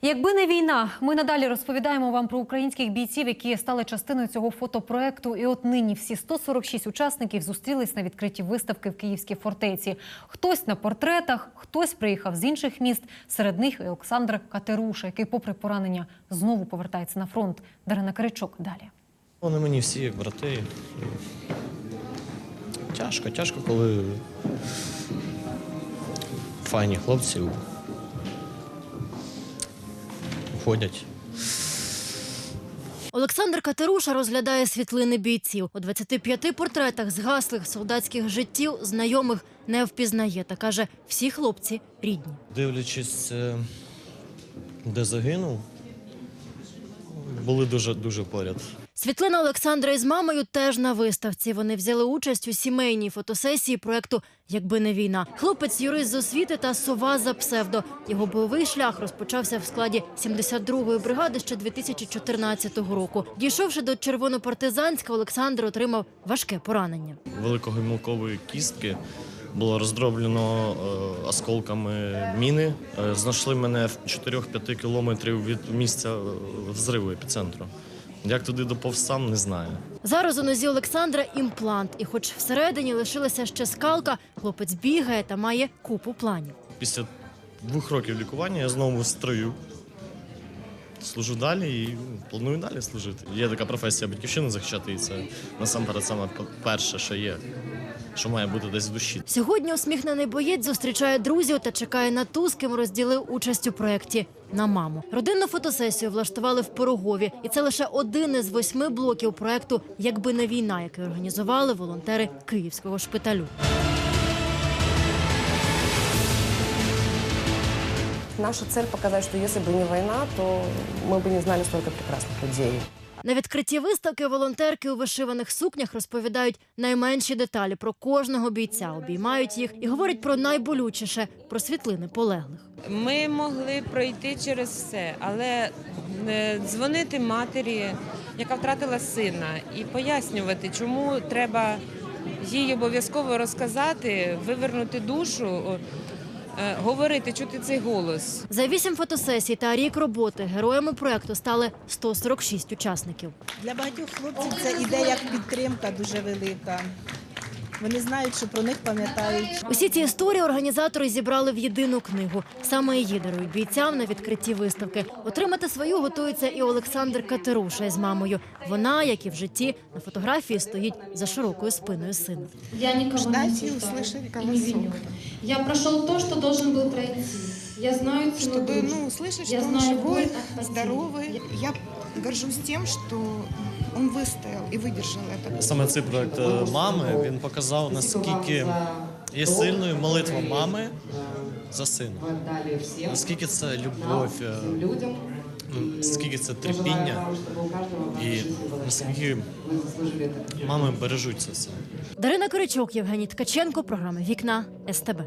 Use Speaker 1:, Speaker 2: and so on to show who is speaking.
Speaker 1: Якби не війна, ми надалі розповідаємо вам про українських бійців, які стали частиною цього фотопроекту. І от нині всі 146 учасників зустрілись на відкритій виставки в Київській фортеці. Хтось на портретах, хтось приїхав з інших міст. Серед них і Олександр Катеруша, який попри поранення знову повертається на фронт. Дарина Каричок далі.
Speaker 2: Вони мені всі як брати. Тяжко, коли файні хлопці уходять.
Speaker 3: Олександр Катеруша розглядає світлини бійців. У 25 портретах згаслих солдатських життів знайомих не впізнає та каже, всі хлопці рідні.
Speaker 2: Дивлячись, де загинув, були дуже поряд.
Speaker 3: Світлина Олександра із мамою теж на виставці. Вони взяли участь у сімейній фотосесії проєкту «Якби не війна». Хлопець – юрист з освіти та сова за псевдо. Його бойовий шлях розпочався в складі 72-ї бригади ще 2014 року. Дійшовши до Червонопартизанська, Олександр отримав важке поранення.
Speaker 2: Великогомілкової кістки було роздроблено осколками міни. Знайшли мене в 4-5 кілометрів від місця взриву епіцентру. Як туди доповз сам, не знаю.
Speaker 3: Зараз у нозі Олександра імплант. І хоч всередині лишилася ще скалка, хлопець бігає та має купу планів.
Speaker 2: Після 2 років лікування я знову в строю. Служу далі і планую далі служити. Є така професія батьківщини захищати, і це насамперед саме перше, що є, що має бути десь в душі.
Speaker 3: Сьогодні усміхнений боєць зустрічає друзів та чекає на ту, з ким розділив участь у проєкті – на маму. Родинну фотосесію влаштували в Пирогові. І це лише один із 8 блоків проєкту «Якби не війна», який організували волонтери Київського шпиталю.
Speaker 4: Наша цель – показать, что если бы не война, то мы бы не знали столько прекрасных людей.
Speaker 3: На відкритті виставки волонтерки у вишиваних сукнях розповідають найменші деталі про кожного бійця, обіймають їх і говорять про найболючіше – про світлини полеглих.
Speaker 5: Ми могли пройти через все, але дзвонити матері, яка втратила сина, і пояснювати, чому треба їй обов'язково розказати, вивернути душу, говорити, чути цей голос.
Speaker 3: За 8 фотосесій та рік роботи героями проєкту стали 146 учасників.
Speaker 6: Для багатьох хлопців це ідея як підтримка дуже велика. Вони знають, що про них пам'ятають.
Speaker 3: Усі ці історії організатори зібрали в єдину книгу. Саме її дарують бійцям на відкритті виставки. Отримати свою готується і Олександр Катеруша із мамою. Вона, як і в житті, на фотографії стоїть за широкою спиною сина.
Speaker 7: Я никого не осуждаю и не виню. Я прошел то, что должен был пройти. Я знаю цену
Speaker 8: Чтобы
Speaker 7: дружбы.
Speaker 8: услышать,
Speaker 7: Я
Speaker 8: что он
Speaker 7: знаю
Speaker 8: живой,
Speaker 7: боль от потери.
Speaker 8: здоровый. Я горжусь тем, что он выстоял и выдержал это.
Speaker 2: Саме цей проєкт мами, він показав, наскільки є сильною молитва мами за сина. Наскільки це любов, наскільки це терпіння і наскільки мами бережуть це все.
Speaker 3: Дарина Каричок, Євгеній Ткаченко, програма «Вікна СТБ».